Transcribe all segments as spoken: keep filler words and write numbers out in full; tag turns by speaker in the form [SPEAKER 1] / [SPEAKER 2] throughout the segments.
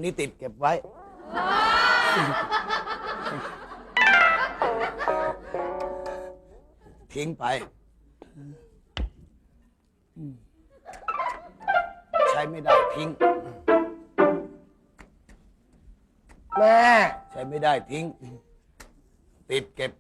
[SPEAKER 1] นี้ติดเก็บไว้ ทิ้งไปใช้ไม่ได้ทิ้ง
[SPEAKER 2] แม่
[SPEAKER 1] ใช้ไม่ได้ทิ้งติดเก็บ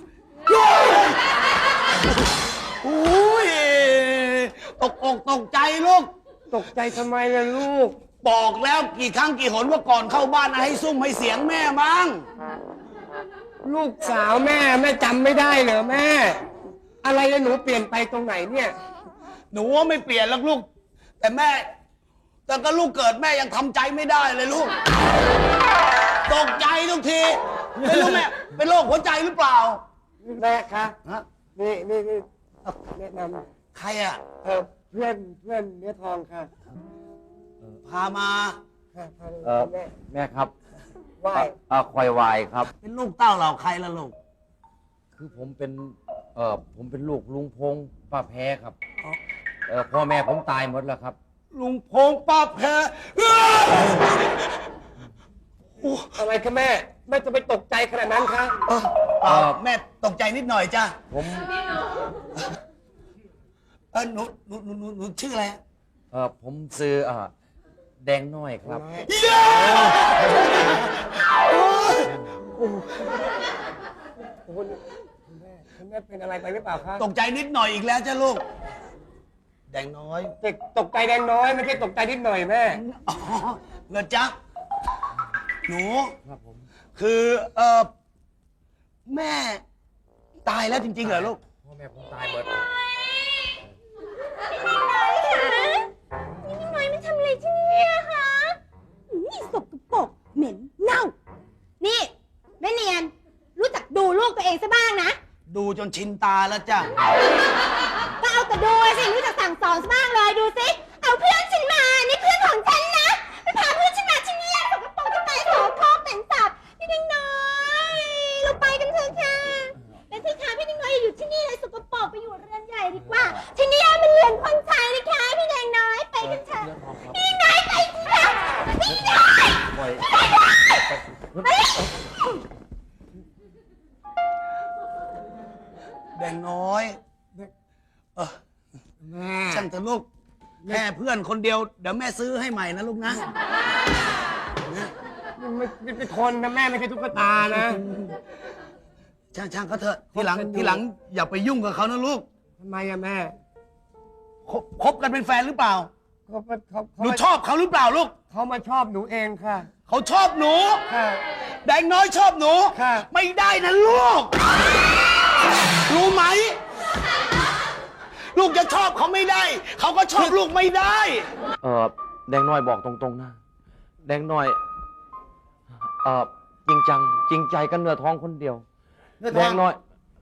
[SPEAKER 1] อุ้ยตกอกตกใจลูก
[SPEAKER 2] ตกใจทำไมล่ะลูก
[SPEAKER 1] บอกแล้วกี่ครั้งกี่หนว่าก่อนเข้าบ้านให้ซุ่มให้เสียงแม่มั้ง
[SPEAKER 2] ลูกสาวแม่แม่จำไม่ได้เหรอแม่อะไรแล้วหนูเปลี่ยนไปตรงไหนเนี่ย
[SPEAKER 1] หนูว่าไม่เปลี่ยนแล้วลูกแต่แม่แต่ก็ลูกเกิดแม่ยังทำใจไม่ได้เลยลูกตกใจทุกทีไม่รู้แม่เป็นโรคหัวใจหรือเปล่า
[SPEAKER 2] แม่คะนี่นี่นี่แนะน
[SPEAKER 1] ำใครอ่ะ
[SPEAKER 2] เออเพื่อนเพื่อนเนื้อทองค่ะ
[SPEAKER 1] พามา
[SPEAKER 3] เออแม่แม่ครับ
[SPEAKER 2] วาย
[SPEAKER 3] อ่าควายวายครับ
[SPEAKER 1] เป็นลูกเต้าเหล่าใครล่ะลูก
[SPEAKER 3] คือผมเป็นเออผมเป็นลูกลุงพงป้าแพ้ครับเออพ่อแม่ผมตายหมดแล้วครับ
[SPEAKER 1] ลุงพงป้าแพ้
[SPEAKER 2] อะไรคะแม่แม่จะไปตกใจขนาดนั้นคะ
[SPEAKER 1] เออแม่ตกใจนิดหน่อยจ้ะ
[SPEAKER 3] ผม
[SPEAKER 1] เออหนูหนูหนูหนูชื่ออะไร
[SPEAKER 3] เออผมซื้ออ่าแดงน้อยครับ
[SPEAKER 2] คุณแม่คุณแม่เป็นอะไรไปหรือเปล่าคะ
[SPEAKER 1] ตกใจนิดหน่อยอีกแล้วจ้ะลูกแดงน้อย
[SPEAKER 2] เด็กตกใจแดงน้อยไม่ใช่ตกใจนิดหน่อยแม่
[SPEAKER 1] อ๋อเหรอจ๊ะหนู
[SPEAKER 3] ครับผม
[SPEAKER 1] คือเออแม่ตายแล้วจริงๆเหรอลูก
[SPEAKER 3] พ่อแม่ผมตายหมด
[SPEAKER 4] นี่น้อยไม่ทำอะไรที่นี่คะนี่สกปรกเหม็นเน่านี่แม่เนียนรู้จักดูลูกตัวเองซะบ้างนะ
[SPEAKER 1] ดูจนชินตาแล้วจ้ะ
[SPEAKER 4] ก็เอาแต่ดูสิรู้จักสั่งสอนซะบ้างเลยดูสิเอาเพื่อนฉันมานี่เพื่อนของฉันนะไปพาเพื่อนฉันมาที่นี่สกปรกที่ไหนโสโครกแต่งสับพี่ดิ้งน้อยเราไปกันเถอะค่ะแต่ที่ค่ะพี่ดิ้งน้อยอย่าอยู่ที่นี่เลยสกปรกไปอยู่เรือนใหญ่ดีกว่าที่นี่มันเรือนคนชายนะคะพี่ดิ้งน้อยไปกันเถอะพี่ดิ้งน้อยไปสิคะพี่ดิ้งน้อย
[SPEAKER 1] แดงน้อยเออ
[SPEAKER 2] แม่
[SPEAKER 1] ช่างแต่ลูกแม่เพื่อนคนเดียวเดี๋ยวแม่ซื้อให้ใหม่นะลูกนะ
[SPEAKER 2] ไม่เป็นคนนะแม่ไม่ใช่ตุ๊กตานะ
[SPEAKER 1] ช่างช่างเขาเถอะทีหลังทีหลังอย่าไปยุ่งกับเขานะลูก
[SPEAKER 2] ทำไมอะแม่
[SPEAKER 1] คบกันเป็นแฟนหรือเปล่า
[SPEAKER 2] เขาเขา
[SPEAKER 1] หนูชอบเขาหรือเปล่าลูก
[SPEAKER 2] เขามาชอบหนูเองค่ะ
[SPEAKER 1] เขาชอบหนู
[SPEAKER 2] ค่ะ
[SPEAKER 1] แดงน้อยชอบหนู
[SPEAKER 2] ค่ะ
[SPEAKER 1] ไม่ได้นะลูกรู้ไหมลูกจะชอบเขาไม่ได้เขาก็ชอบลูกไม่ได้
[SPEAKER 3] เออแดงน้อยบอกตรงๆนะแดงน้อยเออจริงจังจริงใจกันเนื้อทองคนเดียวแดงน้อย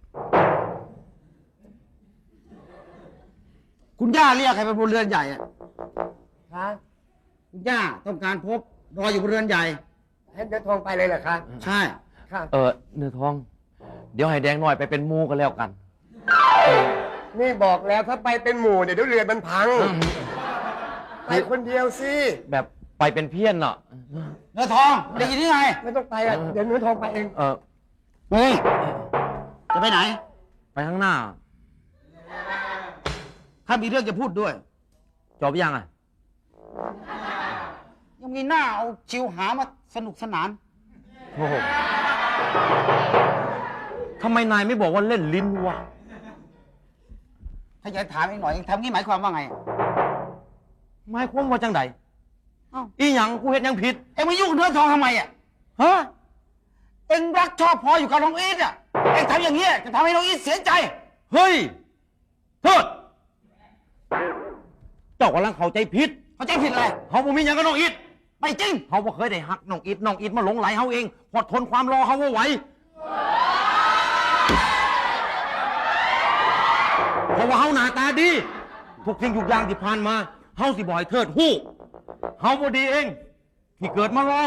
[SPEAKER 1] คุณย่าเรียกใครไปบนเรือนใหญ่อะ
[SPEAKER 2] ฮะ
[SPEAKER 1] คุณย่าต้องการพบรออยู่บนเรือนใหญ่
[SPEAKER 2] ให้เนื้อทองไปเลยเหรอคะ
[SPEAKER 1] ใช่
[SPEAKER 2] ค่ะ
[SPEAKER 3] เออเนื้อทองเดี๋ยวให้แดงน้อยไปเป็นมูกันแล้วกัน
[SPEAKER 2] นี่บอกแล้วถ้าไปเป็นหมู่เดี๋ยวเรือมันพังไปคนเดียวสิ
[SPEAKER 3] แบบไปเป็นเพี้ยนเนาะ
[SPEAKER 1] เนื้อทองได้ยินที่ไง
[SPEAKER 2] ไม่ต้องไปอ่ะเดี๋ยวเนื้อทองไปเอง
[SPEAKER 3] เออ
[SPEAKER 1] เฮ้ยจะไปไหน
[SPEAKER 3] ไปข้างหน้า
[SPEAKER 1] ถ้ามีเรื่องจะพูดด้วย
[SPEAKER 3] จบยังอ่ะ
[SPEAKER 1] ยังมีหน้าเอาชิวหามาสนุกสนาน
[SPEAKER 3] โอ้โหทำไมนายไม่บอกว่าเล่นลิ้นวะ
[SPEAKER 1] ถ้าอยากถามอีกหน่อยทำงี้หมายความว่าไง
[SPEAKER 3] หมายความว่าจังใดอีหยังกูเห็นยังผิด
[SPEAKER 1] เอ็งมายุ่งกับเนื้อทองทำไมอ่ะ
[SPEAKER 3] ฮะ
[SPEAKER 1] เอ็งรักชอบพออยู่กับน้องอีทอ่ะเอ็งทำอย่างนี้จะทำให้น้องอีทเสียใจ
[SPEAKER 3] เฮ้ยโทษเจ้ากำลังเข้าใจผิด
[SPEAKER 1] เข้าใจผิดอะไร
[SPEAKER 3] เขาบ่มีหยังกับน้องอีท
[SPEAKER 1] ไม่จริง
[SPEAKER 3] เขาบ่เคยได้หักน้องอีทน้องอีทมาหลงไหลเขาเองพอทนความรอเขาไม่ไหวเพราะว่าเขาหน้าตาดีทุกสิ่งทุกอย่างที่ผ่านมาเขาสิบ่อยเทิดหู้เขาบ่ดีเองที่เกิดมารอ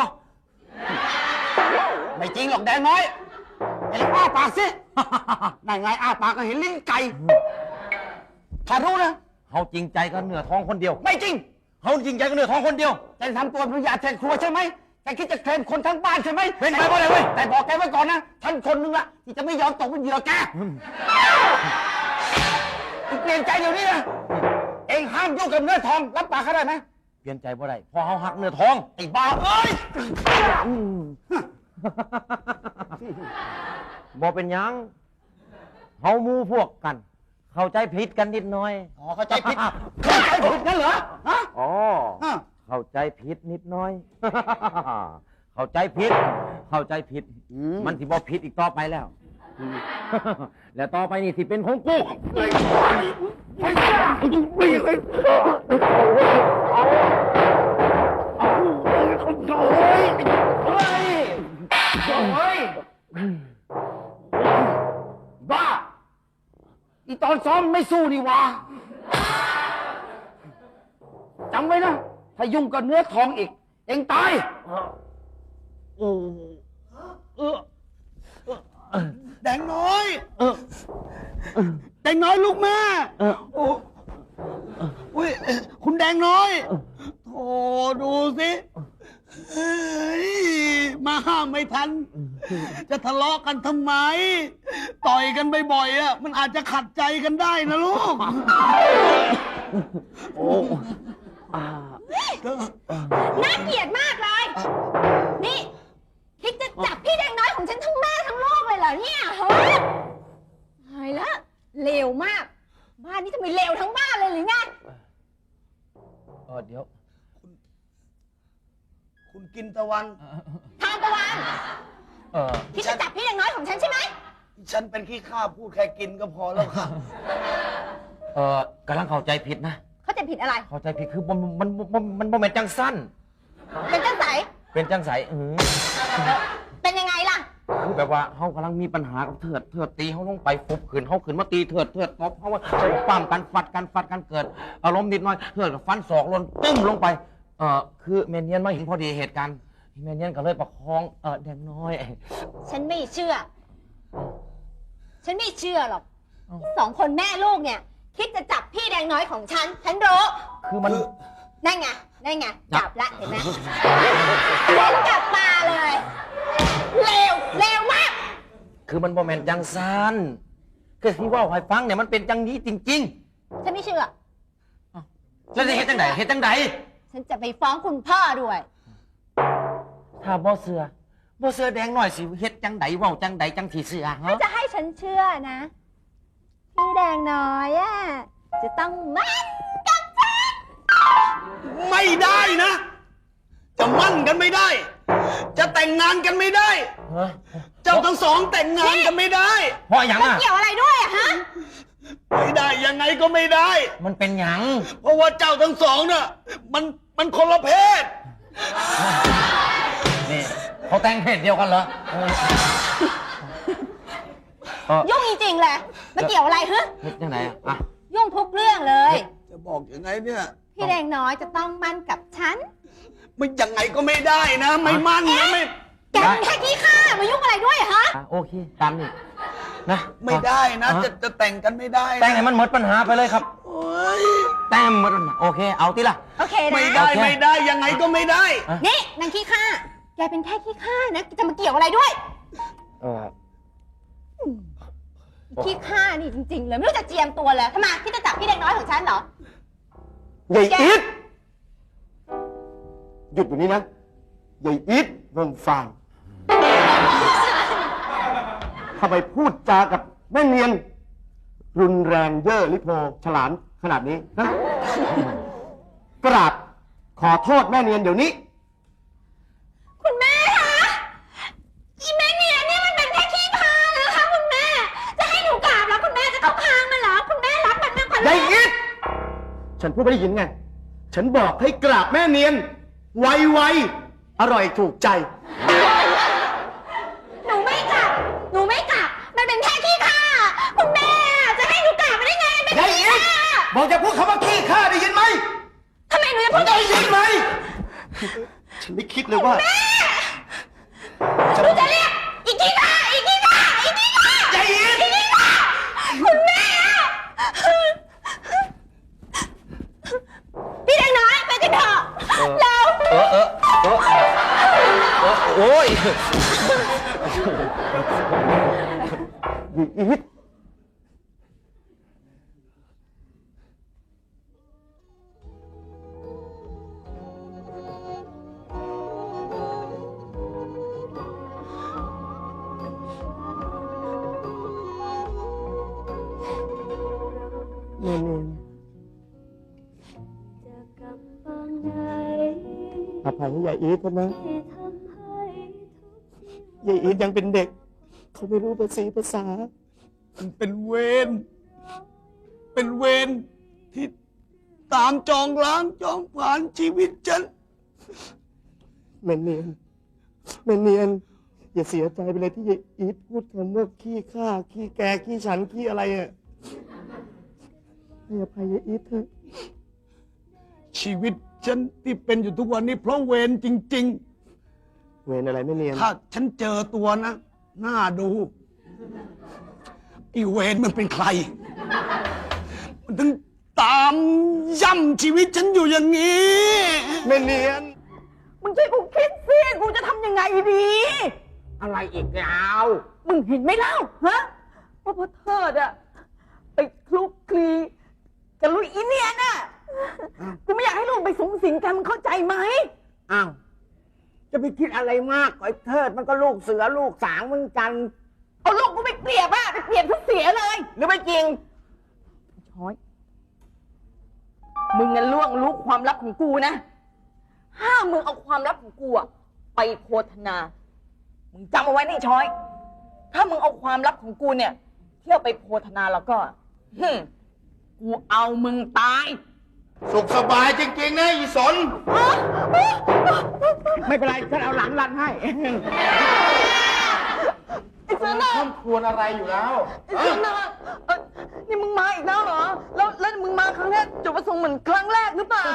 [SPEAKER 1] ไม่จริงหรอกแดงน้อยไอ้อ้าปากสินั่นไงอ้าปากก็เห็นลิ้นไก่ถ้ารู้นะ
[SPEAKER 3] เขาจริงใจกับเนื้อทองคนเดียว
[SPEAKER 1] ไม่จริง
[SPEAKER 3] เขาจริงใจกับเนื้อทองคนเดียว
[SPEAKER 1] จะทำตัวเป็นยาแทนครัวใช่ไหม
[SPEAKER 2] แกคิดจะเคลมคนทั้งบ้านใช่ไหม
[SPEAKER 3] เป็นไปบ่ได้เว้ย
[SPEAKER 2] แต่บอกแกไว้ก่อนนะท่านคนนึงละที่จะไม่ยอมตกเป็นเหยื่อแกเปลี่ยนใจเดี๋ยวนี้นะเองห้ามยุ่งกับเนื้อทองรับปากเขาได้ไหม
[SPEAKER 3] เปลี่ยนใจบ่ได้พอเฮาหักเนื้อทอง
[SPEAKER 2] ไอ้บ้าเอ้ย
[SPEAKER 3] บ่เป็นหยังเฮาหมู่พวกกัน เข้าใจผิดกันนิดหน่อย
[SPEAKER 2] อ๋อเข้าใจผิดเข้าใจผิดนั่นเหรอฮะ
[SPEAKER 3] อ๋อ
[SPEAKER 2] ฮะ
[SPEAKER 3] เข้าใจผิดนิดหน่อย เข้าใจผิด เข้าใจผิด มันสิบ่ผิดอีกต่อไปแล้ว แล้วต่อไปนี่สิเป็นของกู
[SPEAKER 2] บ้าอีตอนซ้อมไม่สู้นี่หวะจำไว้นะ ถ้ายุ่งกับเนื้อทองอีก เอ็งตาย
[SPEAKER 3] โอ้เออ
[SPEAKER 1] แดงน้อย
[SPEAKER 3] เออ
[SPEAKER 1] แดงน้อยลูกแม่
[SPEAKER 3] เออ
[SPEAKER 1] โอ้อุ้ยคุณแดงน้อยโธ่ดูสิเฮ้ยมาห้ามไม่ทัน จะทะเลาะกันทำไม ต่อยกันบ่อยๆอ่ะมันอาจจะขัดใจกันได้นะลูก
[SPEAKER 3] โอ้อ่า
[SPEAKER 4] น่าเกลียดมากเลย นี่ คิดจะจับพี่แดงน้อยของฉันทั้งแม่ทั้งลูกเลยเหรอเนี่ยฮะตายแล้วเลวมาก บ้านนี้ทำไมเลวทั้งบ้านเลยหรือไง
[SPEAKER 3] เออเดี๋ยว
[SPEAKER 1] คุณกินตะวัน
[SPEAKER 4] ทานตะวัน
[SPEAKER 3] เออ
[SPEAKER 4] คิดจะจับพี่แดงน้อยของฉันใช่ไหม
[SPEAKER 1] ฉันเป็นขี้ข้าพูดแค่กินก็พอแล้วค่ะ
[SPEAKER 3] เออกำลังเข้าใจผิดนะ
[SPEAKER 4] เขาจะผิดอะไร
[SPEAKER 3] เข้าใจผิดคือมันมันมันมันบ่แม่นจังสั้น
[SPEAKER 4] เป็นจังไส
[SPEAKER 3] เป็นจังใสเออ
[SPEAKER 4] เป็นยังไงล่ะ
[SPEAKER 3] คือแบบว่าเฮากำลังมีปัญหากับเถิดเถิดตีเฮาลงไปฟุบขืนเฮาขืนมาตีเถิดเถิดตบเฮาว่าปั้มกันฟัดกันฟัดกันเกิดอารมณ์นิดหน่อยเถิดกับฟันศอกลนตึ้มลงไปเออคือแมนเนียนมาเห็นพอดีเหตุการณ์แมนเนียนก็เลยประคองเออแดงน้อย
[SPEAKER 4] ฉันไม่เชื่อ ฉันไม่เชื่อหรอกสองคนแม่ลูกเนี่ย คิดจะจับพี่แดงน้อยของฉัน ฉันรู้
[SPEAKER 3] คือมัน
[SPEAKER 4] นั่นไง นั่นไง จับละเห็นไหมเล่นกลับมาเลยเลวเลวมาก
[SPEAKER 3] คือมันบ่แม่นจังซันคือที่ว่าให้ฟังเนี่ยมันเป็นจังนี้จริง
[SPEAKER 4] ฉันไม่เชื่อ
[SPEAKER 3] ๆ แล้วจะเฮ็ดจังไดเฮ็ดจังได
[SPEAKER 4] ฉันจะไปฟ้องคุณพ่อด้วย
[SPEAKER 3] ถ้าบ่เสือบ่เสือแดงน้อยสิเฮ็ดจังไดเว้าจังไดจังสิเสือฮะ
[SPEAKER 4] ถ้าจะให้ฉันเชื่อนะ พี่แดงน้อยอะจะต้องมั่นกับฉัน
[SPEAKER 1] ไม่ได้นะ จะมั่นกันไม่ได้ จะแต่งงานกันไม่ได้
[SPEAKER 3] ฮะ
[SPEAKER 1] เจ้าทั้งสองแต่งงานกันไม่ได้
[SPEAKER 3] เพราะหยัง
[SPEAKER 4] มัน
[SPEAKER 3] อ่ะ
[SPEAKER 4] เกี่ยวอะไรด้วยอะฮะ
[SPEAKER 1] ไม่ได้ยังไงก็ไม่ได้
[SPEAKER 3] มันเป็นหยัง
[SPEAKER 1] เพราะว่าเจ้าทั้งสองน่ะมันมันคนละเพศ
[SPEAKER 3] นี่เขาแต่งเพศเดียวกันเหรอเออเออ
[SPEAKER 4] ยุ่งจริงๆเลยมันเกี่ยวอะไรฮะ
[SPEAKER 3] เฮ็ดจังไดอ่ะอ่ะ
[SPEAKER 4] ยุ่งทุกเรื่องเลย
[SPEAKER 1] จะบอกยังไงเนี่ย
[SPEAKER 4] พี่แดงน้อยจะต้องมั่นกับฉัน
[SPEAKER 1] มันยังไงก็ไม่ได้นะ ไม่มั่นนะไม่
[SPEAKER 4] แกเป็นแค่ขี้ข้ามายุ่งอะไรด้วยอะฮะ
[SPEAKER 3] อ่ะโอเคตามนี่นะ
[SPEAKER 1] ไม่ได้นะ
[SPEAKER 3] อ่
[SPEAKER 1] จะจะแต่งกันไม่ได้นะ
[SPEAKER 3] แต่งให้มันหมดปัญหาไปเลยครับ
[SPEAKER 1] โอ๊ย
[SPEAKER 3] แต่งให้มันหมดปัญหาโอเค เอาติล่ะ
[SPEAKER 4] โอเคนะ
[SPEAKER 1] ไม่ได้
[SPEAKER 3] โอเค
[SPEAKER 1] ไม่ได้ยังไงก็ไม่ได้
[SPEAKER 4] นี่นางขี้ข้า แกเป็นแค่ขี้ข้านะจะมาเกี่ยวอะไรด้วย
[SPEAKER 3] เออ
[SPEAKER 4] ขี้ข้านี่จริงๆเลยไม่รู้จะเจียมตัวเลยทำไมที่จะจับพี่แดงน้อยของฉันเหรอ
[SPEAKER 2] ใหญ่
[SPEAKER 4] แก
[SPEAKER 2] อีทหยุดอยู่นี้นะใหญ่อีทเมืองฟานทำไมพูดจากับแม่เนียน รุนแรงเย่อลิโพฉลาดขนาดนี้นะกราบขอโทษแม่เนียนเดี๋ยวนี้
[SPEAKER 4] คุณแม่คะอีแม่เนี่ยนี่มันเป็นแค่ขี้ข้านะคะคุณแม่ จะให้หนูกราบแล้วคุณแม่จะเข้าข้างมันเหรอคุณแม่รักมันมากกว่า
[SPEAKER 2] ใหญ่อีทฉันพูดไม่ได้ยินไง ฉันบอกให้กราบแม่เนียน ไวๆอร่อยถูกใจ
[SPEAKER 4] หนูไม่กราบหนูไม่กราบมันเป็นแค่ขี้ข้าคุณแม่จะให้หนูกราบมันได้ไงมันเป็น
[SPEAKER 2] ใหญ่
[SPEAKER 4] ขี้
[SPEAKER 2] อีท
[SPEAKER 4] ข้า
[SPEAKER 2] บอกจะพูดคำว่าขี้ข้าได้ยินไหม
[SPEAKER 4] ทำไมหนูจะพูด
[SPEAKER 2] ได้ยินไหม ฉันไม่คิดเลยว่า
[SPEAKER 4] หนูจะเรียกอีกขี้ข้าอีกขี้ข้าอีกขี้ข้า
[SPEAKER 2] ใจเย็น
[SPEAKER 4] อีกขี้ข้าคุณแม่พี่แดงน้อยไปกันเถอะแล้ว
[SPEAKER 3] เออเออเออ
[SPEAKER 2] อีทแม่เนียนอภัยให้ยายอีทนะยายอีทยังเป็นเด็ก เขาไม่รู้ภาษีภาษา
[SPEAKER 1] มันเป็นเวร เป็นเวรที่ตามจองล้างจองผ่านชีวิตฉัน
[SPEAKER 2] แม่เนียนแม่เนียน อย่าเสียใจไปเลยที่ยายอีทพูดคำว่าขี้ข้าขี้แกขี้ฉันขี้อะไรอ่ะให้อภัยยายอีทเถอะ
[SPEAKER 1] ชีวิตฉันที่เป็นอยู่ทุกวันนี้เพราะเวรจริง
[SPEAKER 2] เวรอะไรแม่เนียน
[SPEAKER 1] ๆ ถ้าฉันเจอตัวนะ น่าดูไอีเวรมันเป็นใคร มันถึงตามย่ำชีวิตฉันอยู่อย่างนี้
[SPEAKER 2] แม่เนียน
[SPEAKER 5] มึงช่วยกูคิดสิกูจะทำยังไงดี
[SPEAKER 3] อะไรอีกแล้ว
[SPEAKER 5] มึงเห็นไหมเล่าฮะว่าพ่อเทิดอะไปคลุกคลีกับลุยอีเนียนอะกูไม่อยากให้ลูกไปสูงสิงกันมึงเข้าใจไหม
[SPEAKER 3] อ้าวจะไปคิดอะไรมากไอ้เทิดมันก็ลูกเสือลูกสางเหมือนกัน
[SPEAKER 5] เอาลูกกูไปเปรียบอะไปเปรียบทุกเสียเลย
[SPEAKER 3] หรือไม่จริง
[SPEAKER 5] ช้อย มึงงั้นล่วงรู้ความลับของกูนะ ห้ามมึงเอาความลับของกูอะไปโฆษณา มึงจำเอาไว้นี่ช้อย ถ้ามึงเอาความลับของกูเนี่ย เที่ยวไปโฆษณาแล้วก็ฮึมกูเอามึงตาย
[SPEAKER 3] สุขสบายจริงๆนะอีสน ไม่เป็นไรฉันเอาหลังรันให้
[SPEAKER 5] ไอ้เสือหน้า
[SPEAKER 3] ท่านควรอะไรอยู่แล้ว
[SPEAKER 5] ไอ้เสือหน้าเอ้ยนี่มึงมาอีกแล้วเหรอ แล้วแล้วมึงมาครั้งแรกจุดประสงค์เหมือนครั้งแรกหรือเปล่า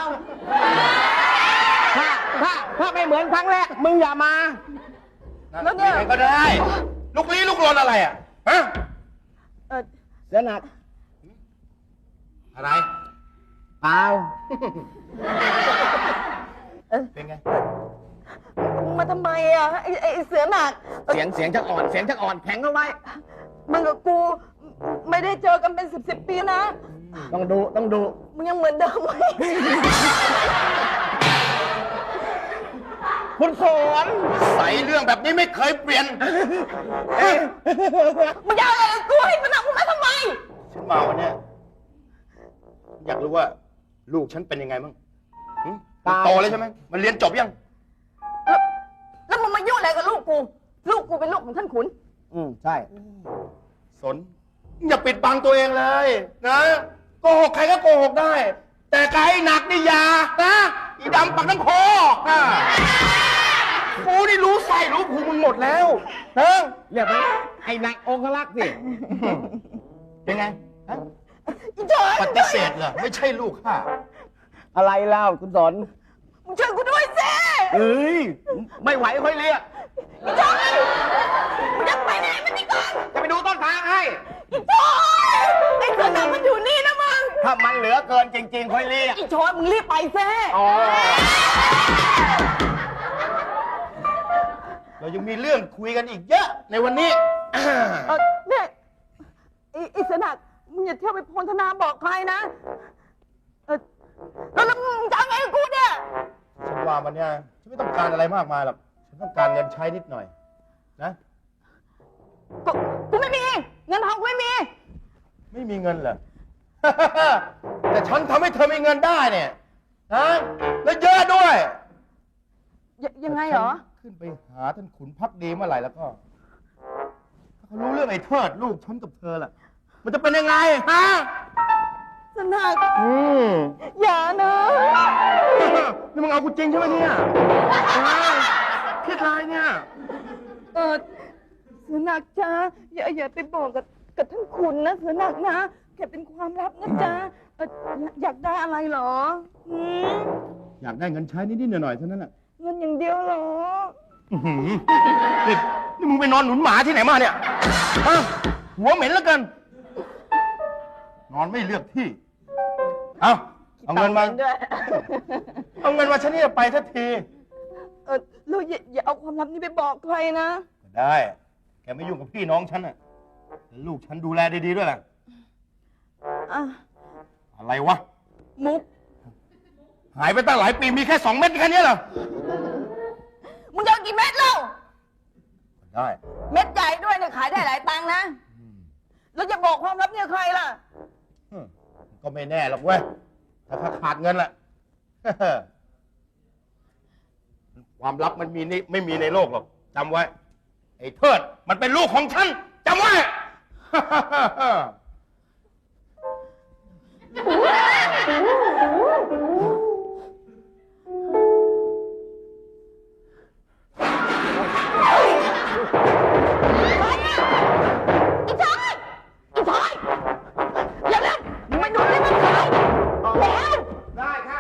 [SPEAKER 3] ถ้าถ้าถ้าไม่เหมือนครั้งแรก มึงอย่ามา
[SPEAKER 5] แล้วเนี่ย
[SPEAKER 3] ก็ได้ ลูกลี้ลูกลนอะไรอ่ะ ฮะ
[SPEAKER 5] เออ
[SPEAKER 3] เสือหนัก อะไรเปล่า เป็นไง
[SPEAKER 5] มึงมาทำไมอ่ะไอ้ไอ้ไอ้เสือหนัก
[SPEAKER 3] เสียงเสียงจะอ่อนเสียงจะอ่อนแข็งเอาไว้
[SPEAKER 5] มึงกับกูไม่ได้เจอกันเป็นสิบสิบปีนะ
[SPEAKER 3] ต้องดูต้องดู
[SPEAKER 5] มึงยังเหมือนเดิมไหม
[SPEAKER 3] คุณสอนใส่เรื่องแบบนี้ไม่เคยเปลี่ยน
[SPEAKER 5] มึงจะเอาอะไรกับกูให้มันหนักมึงมาทำไม
[SPEAKER 6] ฉันมาวันเนี้ยอยากรู้ว่า ลูกฉันเป็นยังไงบ้างหึมันโตแล้วใช่ไหมมันเรียนจบยัง
[SPEAKER 5] แล้วแล้วมึงมายุ่งอะไรกับลูกกู ลูกกูเป็นลูกของท่านขุน
[SPEAKER 3] อืมใช่
[SPEAKER 6] สน อย่าปิดบังตัวเองเลยนะโกหกใครก็โกหกได้ แต่ไกลหนักนี่อยานะอีดำปักทั้งคออ่ะกูนี่รู้ใส่รู้ภูมิมึงหมดแล้วนะ
[SPEAKER 3] เรียกไหมไอ้นายองคลักษ์สิ
[SPEAKER 6] เป็นไงฮะ
[SPEAKER 5] อีจอย
[SPEAKER 6] ปฏิเสธเหรอไม่ใช่ลูกข้า
[SPEAKER 3] อะไรเล่าคุณสอน
[SPEAKER 5] มึงช่วยกูด้วยสิ
[SPEAKER 3] เอ้ย ไม่ไหวค่อยเรียก
[SPEAKER 5] อีจอยมึงจะไปไหนมันนี่ก่อน
[SPEAKER 3] จะไปดูต้นทางให้
[SPEAKER 5] อีจอยไอ้เสือหนักมันอยู่นี่นะมึง
[SPEAKER 3] ถ้ามันเหลือเกินจริงๆค่อยเรียก
[SPEAKER 5] อีจอยมึงรีบไปซิ
[SPEAKER 3] อ๋อ
[SPEAKER 6] เรายังมีเรื่องคุยกันอีกเยอะในวันนี้
[SPEAKER 5] เออเนี่ยไอ้ไอ้เสือหนักมึงอย่าเที่ยวไปโพลธนาบอกใครนะเออแล้วแล้วมึงจะเอาไงกับกูเนี่ย
[SPEAKER 6] ฉันว่ามันเนี่ยฉันไม่ต้องการอะไรมากมายหรอกฉันต้องการเงินใช้นิดหน่อย นะ
[SPEAKER 5] กูกูไม่มีเงินทองกูไม่มี
[SPEAKER 6] ไม่มีเงินเหรอ แต่ฉันทำให้เธอมีเงินได้เนี่ยนะแล้วเยอะด้วย
[SPEAKER 5] ยยังไงเหรอ
[SPEAKER 6] ฉันขึ้นไปหาท่านขุนพักดีเมื่อไหร่แล้วก็ถ้าเขารู้เรื่องไอ้เทิดลูกฉันกับเธอล่ะ มันจะเป็นยังไงฮะ
[SPEAKER 5] สนัก
[SPEAKER 6] อืม
[SPEAKER 5] อย่านะ
[SPEAKER 6] นี่มึงเอากูจริงใช่ไหมเนี่ยฮะคิดไรเนี่ย
[SPEAKER 5] เออเสือหนักจ้าอย่าอย่าไปบอกกับกับท่านคุณนะเสือหนักนะแกเป็นความลับนะจ๊ะเอ่ออยากอยากได้อะไรเหรอหืม
[SPEAKER 6] อยากได้เงินใช้นิดๆหน่อยๆเท่านั้นแหละ
[SPEAKER 5] เงินอย่างเดียวเหรอ
[SPEAKER 6] อื้อหือนี่นี่มึงไปนอนหนุนหมาที่ไหนมาเนี่ยฮะหัวเหม็นแล้วกัน นอนไม่เลือกที่ เอาเอาเงินมา
[SPEAKER 5] ด้วย
[SPEAKER 6] เอาเงินมาฉันนี่จะไปสักที
[SPEAKER 5] ออเราอย่าอย่าเอาความลับนี้ไปบอกใครนะ
[SPEAKER 6] ได้ แกไม่ยุ่งกับพี่น้องฉันน่ะแล้วลูกฉันดูแลดีๆด้วยล่ะ
[SPEAKER 5] อ่ะ
[SPEAKER 6] อะไรวะ
[SPEAKER 5] มุก
[SPEAKER 6] หายไปตั้งหลายปีมีแค่สองเม็ดแค่นี้เหรอ
[SPEAKER 5] มึงจะเอากี่เม็ดเล่า
[SPEAKER 6] ได้
[SPEAKER 5] เม็ดใหญ่ด้วยเนี่ยขายได้หลายตังค์นะแล้วจะบอกความลับเนี่ยใครล่ะ
[SPEAKER 6] อืมก็ไม่แน่หรอกเว้ย ถ้าข้าขาดเงินล่ะ ความลับมันมีนี่ไม่มีในโลกหรอกจำไว้ ไอ้เทิดมันเป็นลูกของฉันจำไว้
[SPEAKER 5] อีชายอีชายอย่าเล่นมึงไม่ดูเลยมันขายแล้ว
[SPEAKER 2] ได้ค่ะ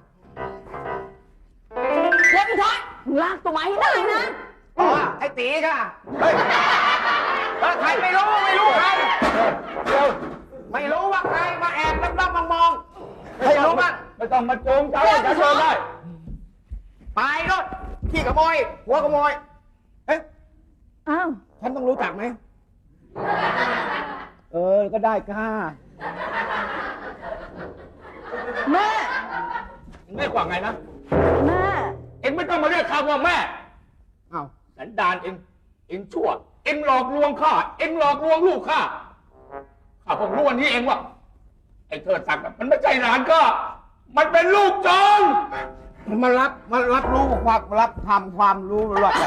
[SPEAKER 5] เล่นอีชายมึงลากตัวมาให้ได้นะ
[SPEAKER 2] อ๋อ ไอ้ตีค่ะ เฮ้ยเออใครไม่รู้ไม่รู้ใครเดี๋ยวไม่รู้ว่าใครมาแอบลับๆมองๆใครรู้บ้าง
[SPEAKER 3] ไม่ต้องมาโจมเจ้าจะโจมได้
[SPEAKER 2] ไปรถขี้ขโมย หัวขโมย เอ๊ะ
[SPEAKER 5] อ้าว
[SPEAKER 2] ฉันต้องรู้จักไหม เออ ก็ได้ค่ะ
[SPEAKER 5] แม่
[SPEAKER 3] ไม่กว่าไงนะ
[SPEAKER 5] แม่
[SPEAKER 3] เอ็งไม่ต้องมาเรียกข้าว่าแม่
[SPEAKER 2] อ้าว
[SPEAKER 3] สันดานเอ็งเอ็งชั่ว เอ็งหลอกลวงข้า เอ็งหลอกลวงลูกข้า ข้าเพิ่งรู้วันนี้เองว่า ไอ้เทิดศักดิ์น่ะมันไม่ใช่หลานข้า มันเป็นลูกโจร
[SPEAKER 2] มารับมารับรู้ความรับทำความรู้หรอก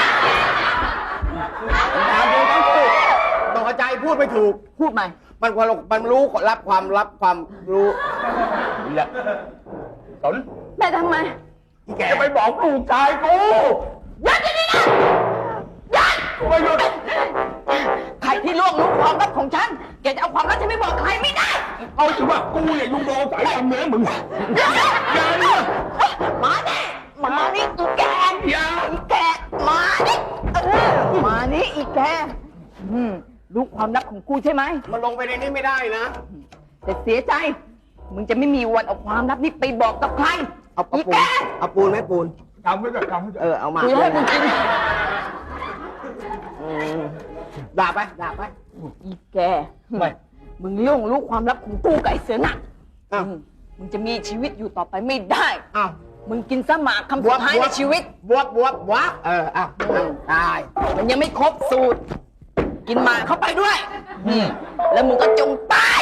[SPEAKER 2] ถามดูทั้งคู่ตกใจพูดไม่ถูก
[SPEAKER 5] พูดใหม่
[SPEAKER 2] มันความมันรู้รับความรับความรู้
[SPEAKER 3] นี่แหละสน
[SPEAKER 5] แม่ทำไม
[SPEAKER 2] อีแก
[SPEAKER 3] จะไปบอกลูกชายกู
[SPEAKER 5] ยัดที่นี่นะยัด
[SPEAKER 3] กูไม่หยุด
[SPEAKER 5] ใครที่ล่วงรู้ความลับของฉัน แกจะเอาความลับฉันไม่บอกใครไม่ได้
[SPEAKER 3] เอาถือว่ากูเนี่ยยุงโดนสายทำเนื้อมึง
[SPEAKER 5] อย่า
[SPEAKER 3] อย่าเนี่ย
[SPEAKER 5] มาดิมานี่อีแก
[SPEAKER 3] อย่า
[SPEAKER 5] อีแกมาดิเออมานี่อีแกอืมรู้ความลับของกูใช่ไหม
[SPEAKER 2] มันลงไปในนี้ไม่ได้นะ
[SPEAKER 5] แต่เสียใจ มึงจะไม่มีวันเอาความลับนี้ไปบอกกับใคร
[SPEAKER 2] เอาเอา
[SPEAKER 5] อี
[SPEAKER 2] ปู
[SPEAKER 5] แก
[SPEAKER 2] นเอาปูนไหมปูน
[SPEAKER 3] ทำไว้ก่อนทำไว้ก่อน
[SPEAKER 2] เออ เอามา
[SPEAKER 5] กูจะให้มึงกิน
[SPEAKER 2] อืมด่าไปด่าไป
[SPEAKER 5] อีแกไม่มึงล่วงรู้ความลับของกูกับไอ้เสือหนัก
[SPEAKER 2] อ้าว
[SPEAKER 5] อืมมึงจะมีชีวิตอยู่ต่อไปไม่ได้
[SPEAKER 2] อ้าว
[SPEAKER 5] มึงกินสมากคำสุดท้ายในชีวิต
[SPEAKER 2] บวบบวบบวบเอออ้าวอ้าวตาย
[SPEAKER 5] มันยังไม่ครบสูตร กินหมากเข้าไปด้วย อืมแล้วมึงก็จงตาย